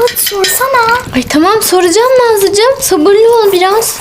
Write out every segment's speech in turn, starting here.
hadi sorsana. Ay tamam soracağım Nazlıcığım. Sabırlı ol biraz.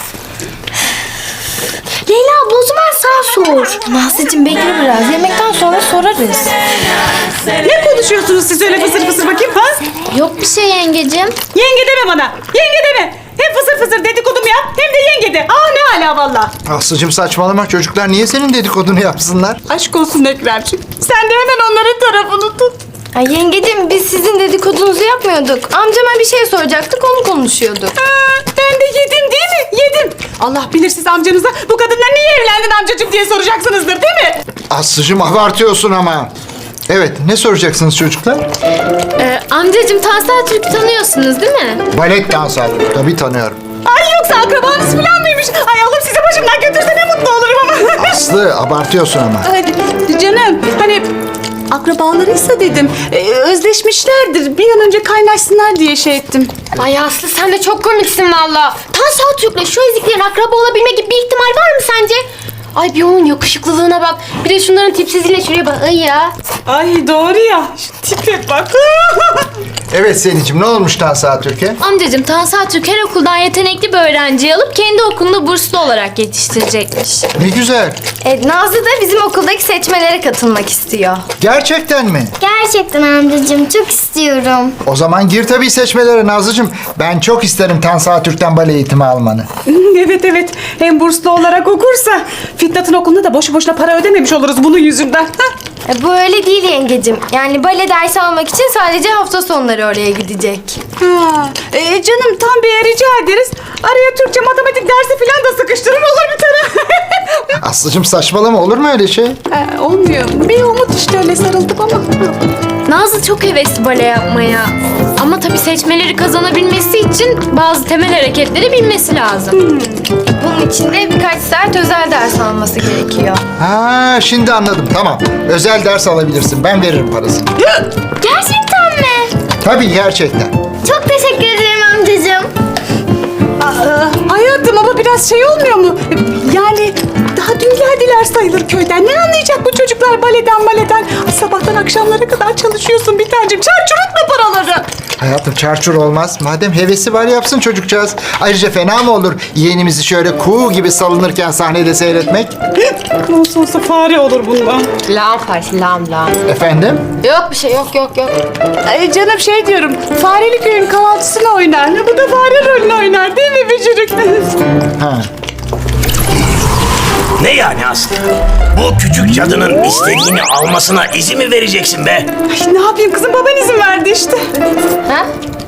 Leyla abla o zaman sen sor. Nazlıcığım bekle biraz. Yemekten sonra sorarız. Ne konuşuyorsunuz siz öyle fısır fısır bakayım ha? Yok bir şey yengecim. Yenge deme bana. Yenge deme. Hem fısır fısır dedikodumu yap hem de yenge de. Ne hala valla. Aslıcığım saçmalama, çocuklar niye senin dedikodunu yapsınlar? Aşk olsun Ekremciğim. Sen de hemen onların tarafını tut. Ay yengecim biz sizin dedikodunuzu yapmıyorduk. Amcama bir şey soracaktık onu konuşuyorduk. Ben de yedim değil mi? Yedim. Allah bilir siz amcanıza bu kadınla niye evlendin amcacığım diye soracaksınızdır değil mi? Aslıcığım abartıyorsun ama. Evet, ne soracaksınız çocuklar? Amcacığım Tansel Türk'ü tanıyorsunuz değil mi? Balet dansı, tabii tanıyorum. Ay yoksa akrabanız falan mıymış? Ay Allah sizi başımdan götürse ne mutlu olurum ama. Aslı abartıyorsun ama. Ay, canım hani akrabalarıysa dedim. Özleşmişlerdir. Bir an önce kaynaşsınlar diye şey ettim. Ay Aslı sen de çok komiksin valla. Tansel Türk'le şu eziklerin akraba olabilme gibi bir ihtimal var mı sence? Ay bir onun yakışıklılığına bak. Bir de şunların tipsizliğine şuraya bak. Ay ya. Ay doğru ya. Şu tipe bak. Evet Selin'cim, ne olmuş Tansa Türkiye? Amcacığım Tansel Türk her okuldan yetenekli bir öğrenciyi alıp kendi okulunda burslu olarak yetiştirecekmiş. Ne güzel. Nazlı da bizim okuldaki seçmelere katılmak istiyor. Gerçekten mi? Gerçekten amcacığım çok istiyorum. O zaman gir tabii seçmelere Nazlıcığım. Ben çok isterim Tansa Türk'ten bale eğitimi almanı. Evet. Hem burslu olarak okursa Fitnat'ın okulunda da boşu boşuna para ödememiş oluruz bunun yüzünden. Bu öyle değil yengecim. Yani bale dersi almak için sadece hafta sonları oraya gidecek. Canım tam bir rica ederiz. Araya Türkçe, matematik dersi falan da sıkıştırın olur bir tane. Aslıcığım saçmalama, olur mu öyle şey? Olmuyor. Bir umut işte öyle sarıldık ama. Nazlı çok hevesli bale yapmaya. Ama tabii seçmeleri kazanabilmesi için bazı temel hareketleri bilmesi lazım. Bunun için de birkaç saat özel ders alması gerekiyor. Ha, şimdi anladım, tamam. Özel ders alabilirsin, ben veririm parasını. Gerçekten mi? Tabii gerçekten. Çok teşekkür ederim amcacığım. Hayatım ama biraz şey olmuyor mu? Yani daha dün geldiler sayılır köyden. Ne anlayacak bu çocuklar baleden? Ay, sabahtan akşamlara kadar çalışıyorsun bir tanecim. Çarçur etme paraları. Hayatım çarçur olmaz. Madem hevesi var yapsın çocukcağız. Ayrıca fena mı olur yeğenimizi şöyle kuğu gibi salınırken sahnede seyretmek? Olsa fare olur bundan. Lam Farsi, lam. Efendim? Yok bir şey, yok. Ay canım şey diyorum. Fareli köyün kahvaltısını oynar. Bu da fare rolünü oynar değil mi Bücürük? Ha. Ne yani Aslı? Bu küçük cadının istediğini almasına izin mi vereceksin be? Ay, ne yapayım kızım, baban izin verdi işte. Ha?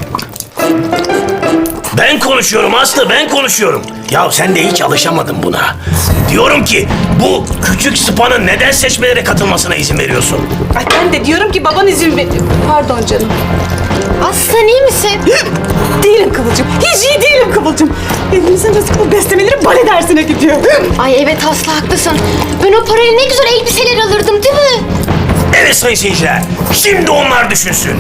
Ben konuşuyorum Aslı, ben konuşuyorum. Ya sen de hiç alışamadın buna. Diyorum ki bu küçük sıpanın neden seçmelere katılmasına izin veriyorsun? Ay ben de diyorum ki baban izin ver. Pardon canım. Aslı sen iyi misin? Değilim Kıvılcım. Hiç iyi değilim Kıvılcım. Evimizin rızkı bu beslemeleri bale dersine gidiyor. Ay evet Aslı haklısın. Ben o parayla ne güzel elbiseler alırdım değil mi? Evet sayın seyirciler, şimdi onlar düşünsün.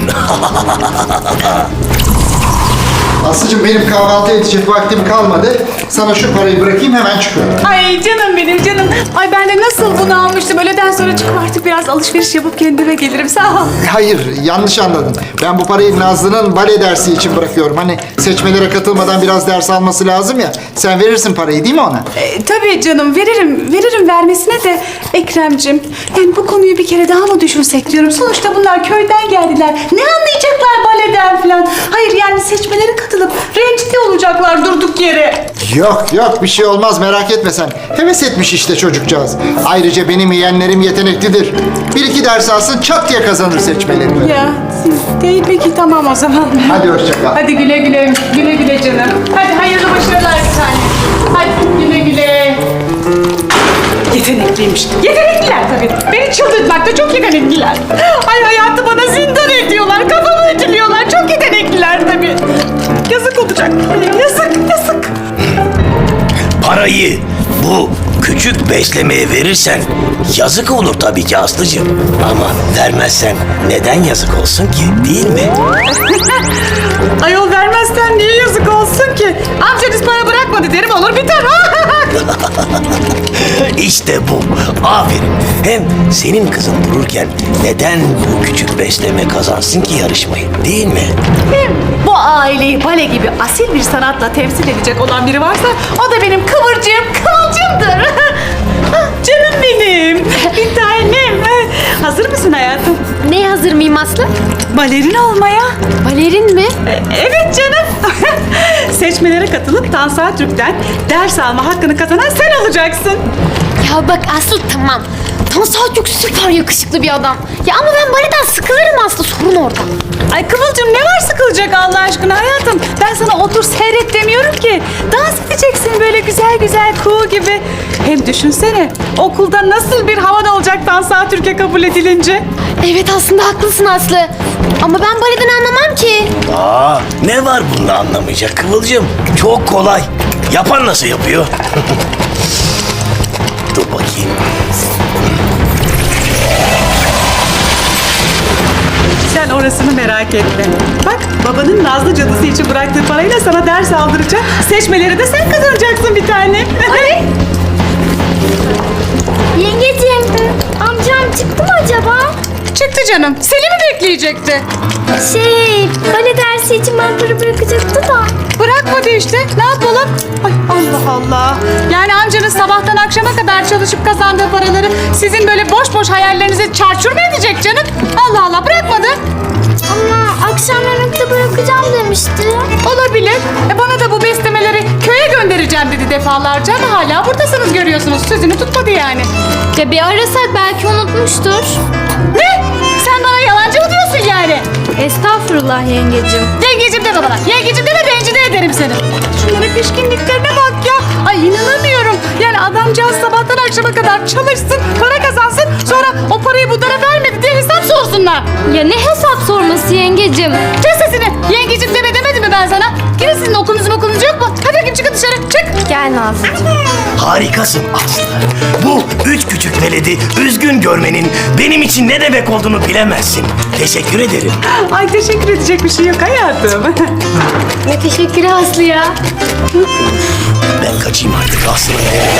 Aslıcığım benim kahvaltı edecek vaktim kalmadı. Sana şu parayı bırakayım, hemen çıkıyorum. Ay canım benim canım. Ay ben de nasıl bunu almıştım. Öğleden sonra çıkıp artık biraz alışveriş yapıp kendime gelirim. Sağ ol. Hayır, yanlış anladın. Ben bu parayı Nazlı'nın bale dersi için bırakıyorum. Hani seçmelere katılmadan biraz ders alması lazım ya. Sen verirsin parayı değil mi ona? Tabii canım veririm vermesine de Ekrem'cim. Yani bu konuyu bir kere daha mı düşünsek diyorum. Sonuçta bunlar köyden geldiler. Ne anlayacaklar baleden falan. Hayır yani seçmelere katılıp rencide olacaklar durduk yere. Yok bir şey olmaz, merak etme sen. Heves etmiş işte çocukcağız. Ayrıca benim yeğenlerim yeteneklidir. Bir iki ders alsın çat diye kazanır seçmeleri. Ya değil peki tamam o zaman. Hadi hoşça kal. Hadi güle güle canım. Hadi hayırlı başarılar bir tane. Hadi güle. Yetenekliymiş. Yetenekliler tabii. Beni çıldırtmakta çok yetenekliler. Ay hayatı bana zindan ediyorlar. Kafamı ütülüyorlar. Çok yetenekliler tabii. Yazık olacak. Yazık. Parayı bu küçük beslemeye verirsen yazık olur tabii ki Aslıcığım. Ama vermezsen neden yazık olsun ki, değil mi? Ayol vermezsen niye yazık olsun ki? Amcanız para bırakmadı derim olur biter. İşte bu. Aferin. Hem senin kızın dururken neden bu küçük besleme kazansın ki yarışmayı, değil mi? Bu bu aileyi bale gibi asil bir sanatla temsil edecek olan biri varsa o da benim Kıvılcım'dır. Canım benim, bir tanem. Hazır mısın hayatım? Neye hazır mıyım Aslı? Balerin olmaya. Balerin mi? Evet canım. Seçmelere katılıp Tansa Türk'ten ders alma hakkını kazanan sen olacaksın. Ya bak Aslı tamam. Tansa çok süper yakışıklı bir adam. Ya ama ben baleden sıkılırım Aslı, sorun orada. Ay Kıvılcım ne var sıkılacak Allah aşkına hayatım? Ben sana otur seyret demiyorum ki. Dans edeceksin böyle güzel güzel kuğu gibi. Hem düşünsene okulda nasıl bir havan olacak Tansa Türkiye kabul edilince. Evet aslında haklısın Aslı. Ama ben baleden anlamam ki. Aa, ne var bunda anlamayacak Kıvılcım? Çok kolay. Yapan nasıl yapıyor? Dur bakayım. Sen orasını merak etme. Bak babanın Nazlı cadısı için bıraktığı parayla sana ders aldıracak. Seçmeleri de sen kazanacaksın bir tane. Ay. Yengeciğim, amcam çıktı mı acaba? Çıktı canım. Seni mi bekleyecekti? Bale dersi için ben para bırakacaktı da. Bırakmadı işte. Ne yapalım? Ay Allah Allah. Yani amcanız sabahtan akşama kadar çalışıp kazandığı paraları sizin böyle boş boş hayallerinizi çarçur mu edecek canım? Allah Allah bırakmadı. Ama akşam yemekte bırakacağım demişti. Olabilir. Bana da bu beslemeleri köye göndereceğim dedi defalarca ama hala buradasınız görüyorsunuz. Sözünü tutmadı yani. Ya bir arasak belki unutmuştur. Ne? Sen bana yalancı mı diyorsun yani? Estağfurullah yengecim. Yengecim deme bana. Yengecim deme rencide ederim seni. Şunların pişkinliklerine bak ya. Ay inanamıyorum. Yani adamcağız sabahtan akşama kadar çalışsın, para kazansın. Sonra o parayı bunlara vermedi diye hesap sorsunlar. Ya ne hesap sorması yengecim? Kes sesini. Yengecim deme demedim mi ben sana? Gidin sizin okulunuz yok mu? Hadi bakayım çıkın dışarı. Çık. Gel Nazlıcığım. Harikasın Aslı. Bu üç küçük veledi üzgün görmenin benim için ne demek olduğunu bilemezsin. Teşekkür ederim. Ay teşekkür edecek bir şey yok hayatım. Ne teşekkürü Aslı ya. Ben kaçayım artık Aslı.